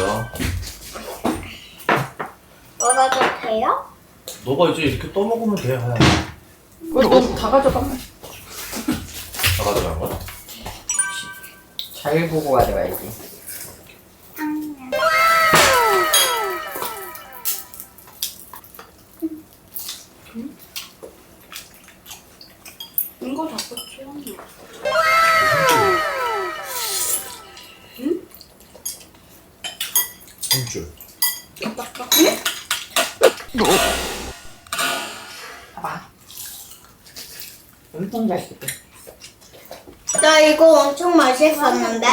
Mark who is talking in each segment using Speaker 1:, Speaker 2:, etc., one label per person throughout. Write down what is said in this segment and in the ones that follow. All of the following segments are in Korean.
Speaker 1: 먹어요.
Speaker 2: 먹어도 돼요?
Speaker 1: 너가 이제 이렇게 떠먹으면 돼, 하야.
Speaker 3: 너 다 가져가면.
Speaker 1: 다 가져간 거야?
Speaker 3: 잘 보고 가져가야지.
Speaker 2: 이거 자꾸 취향나.
Speaker 1: 한 줄.
Speaker 3: 봐봐. 엄청 잘 씹어.
Speaker 2: 나 이거 엄청 맛있었는데?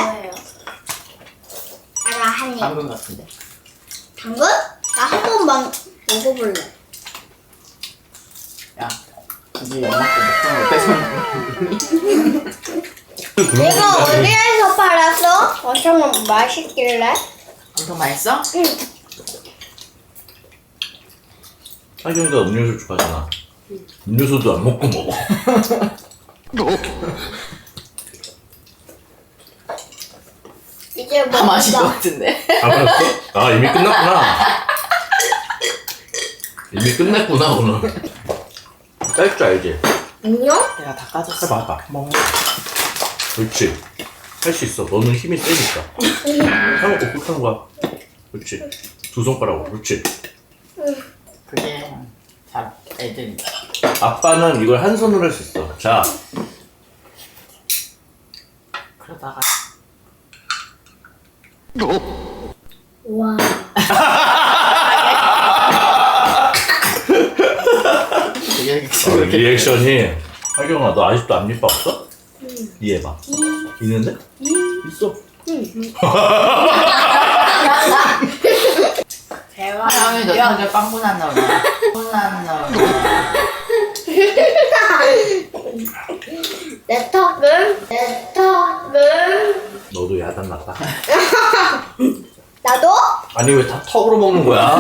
Speaker 2: 나 한 입.
Speaker 3: 방금 같은데.
Speaker 2: 당근? 나 한 번만 먹어볼래.
Speaker 3: 야, 이제 엄마께 먹던 거 뺏어 먹니?
Speaker 2: 이거 어디에서 팔았어? 엄청 맛있길래?
Speaker 3: 엄청 맛있어?
Speaker 2: 응.
Speaker 1: 하경이가 음료수 좋아하잖아. 음료수도 안 먹고 먹어.
Speaker 2: 이제
Speaker 3: 다 마신 것
Speaker 2: 먹자.
Speaker 3: 같은데.
Speaker 1: 다 먹었어? 아, 이미 끝났구나. 이미 끝냈구나, 오늘. 뺄 줄 알지?
Speaker 2: 안녕?
Speaker 3: 내가 다 까졌어.
Speaker 1: 해봐, 해봐. 그렇지. 할 수 있어. 너는 힘이 세니까. 해먹고 꾹 하는 거야. 그렇지. 두 손가락으로. 그렇지.
Speaker 3: 그게 잘 애들이.
Speaker 1: 아빠는 이걸 한 손으로 할 수 있어. 자,
Speaker 3: 그러다가
Speaker 2: 와.
Speaker 1: 리액션이. 하경아, 너 아직도 앞니빠 없어? 이해봐. 있는데? 있어.
Speaker 3: 하영이 너 성격 빵꾸났나 보다. 빵꾸났나 보다.
Speaker 2: 내 턱은?
Speaker 1: 너도 야단 났다.
Speaker 2: 나도?
Speaker 1: 아니, 왜 다 턱으로 먹는 거야?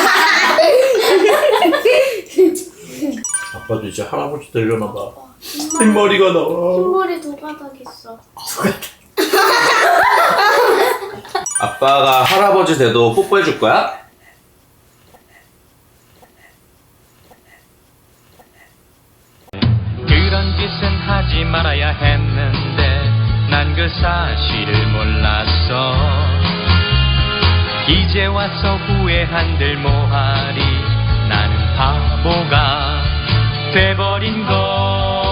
Speaker 1: 아빠도 이제 할아버지 되려나 봐. 흰머리가 나와.
Speaker 2: 흰머리 두 가닥 있어.
Speaker 1: 아빠가 할아버지 돼도 뽀뽀해 줄 거야?
Speaker 4: 그런 짓은 하지 말아야 했는데 난 그 사실을 몰랐어. 이제 와서 후회한들 뭐하리. 나는 바보가 돼버린 걸.